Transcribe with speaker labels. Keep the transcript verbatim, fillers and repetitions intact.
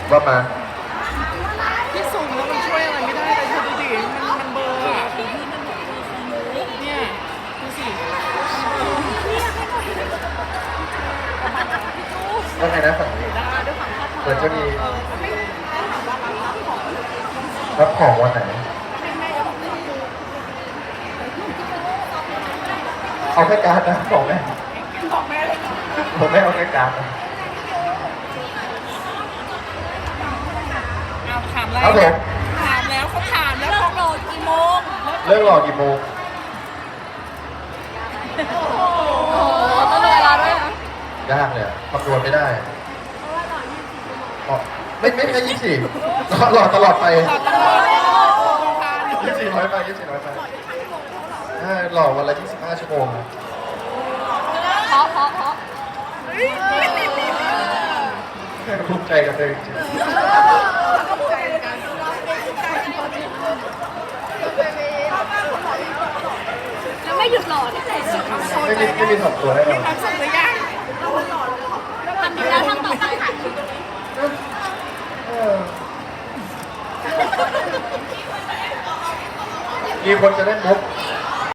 Speaker 1: ว่ามา
Speaker 2: ที่สูงแล้วมันช่วยอะไรไม่ได้เลยเธอดูดิมันมันเบลอร์อะเนี่ยดูสิ
Speaker 1: ว่าไงนะฝั่งนี้เหมือนจะมีรับของวันไหนเอาแค่การ์ดนะบอกแม่
Speaker 2: บอกแม่เลย
Speaker 1: ผมไม่เอาแค่การ์ดนะ
Speaker 2: เอาถามแล้ว
Speaker 1: ครับผม
Speaker 2: ถามแล้วเขาถามแล้วเขาโหลดกี่โมง
Speaker 1: เลิกหล่อกี่โมง
Speaker 2: ต้องดูเวลาด้วยนะ
Speaker 1: ยากเลยอะคำนวณไม่ได้อ๋อไม่ไม่ไม่ยี่สิบหล่อตลอดไป
Speaker 2: ตลอดตลอด
Speaker 1: ยี่สิบน้อยไปยี่สิบน้อยไปใช่หล่อวันละยี่สิบห้าชั่วโมงนะ
Speaker 2: เพราะเพราะเพราะ
Speaker 1: ภูมิใจกับเธอจริง
Speaker 3: แล้วไม่หยุดหล่อที่ไหนเลย
Speaker 1: ๆไม่มีไม่มีถอดตัวแน่นอน
Speaker 2: ทำสุดหรือยัง
Speaker 3: ทำดีแล้วทำต่อไปค่ะ
Speaker 1: เออมีคนจะเล่นมุก